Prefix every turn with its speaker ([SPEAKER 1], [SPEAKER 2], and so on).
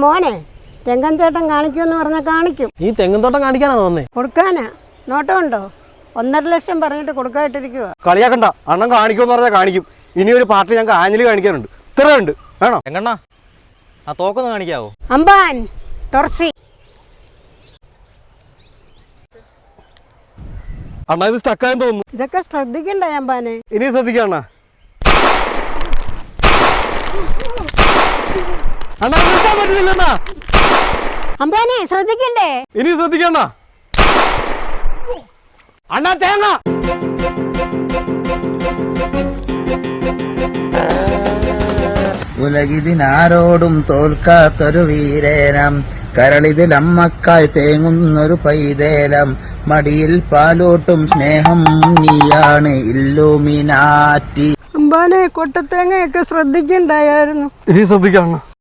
[SPEAKER 1] മോനെ തെങ്ങൻ ചേട്ടൻ കാണിക്കുമെന്ന് പറഞ്ഞാൽ കാണിക്കും.
[SPEAKER 2] ഈ തെങ്ങും തോട്ടം കാണിക്കാനാ തോന്നേ?
[SPEAKER 1] കൊടുക്കാനാ? നോട്ടമുണ്ടോ? 1.5 ലക്ഷം പറഞ്ഞിട്ട് കൊടുക്കായിട്ടിരിക്കുക.
[SPEAKER 3] കളിയാക്കണ്ട, അണ്ണൻ കാണിക്കുമെന്ന് പറഞ്ഞാൽ കാണിക്കും. ഇനി ഒരു പാർട്ടി ഞങ്ങൾക്ക് ആഞ്ഞിലി കാണിക്കാനുണ്ട്. ഇത്രയുണ്ട് വേണോ?
[SPEAKER 2] എങ്ങണ്ണ ആ തോക്കൊന്ന് കാണിക്കാവോ?
[SPEAKER 1] അമ്പാൻ തുറസി.
[SPEAKER 3] അണ്ണാ ഇത് സ്റ്റക്കായെന്ന് തോന്നുന്നു.
[SPEAKER 1] ഇതൊക്കെ ശ്രദ്ധിക്കണ്ടേ അമ്പാനെ?
[SPEAKER 3] ഇനി ശ്രദ്ധിക്കാം അണ്ണാ. അണ്ണാ നിർത്താൻ പറ്റുന്നില്ല.
[SPEAKER 1] അമ്പാനെ ശ്രദ്ധിക്കണ്ടേ?
[SPEAKER 3] ഇനി ശ്രദ്ധിക്കണ്ണ. അണ്ണാ തേങ്ങ.
[SPEAKER 4] ഉലകിതിനാരോടും തോൽക്കാത്തൊരു വീരേനം, കരളിതിൽ അമ്മക്കായി തേങ്ങുന്നൊരു പൈതേലം, മടിയിൽ പാലോട്ടും സ്നേഹം നീയാണ് ഇല്ലുമിനാറ്റി.
[SPEAKER 1] അമ്പാനെ കൊട്ടത്തേങ്ങയൊക്കെ ശ്രദ്ധിക്കണ്ടായിരുന്നു.
[SPEAKER 3] ഇനി ശ്രദ്ധിക്കാം അണ്ണാ.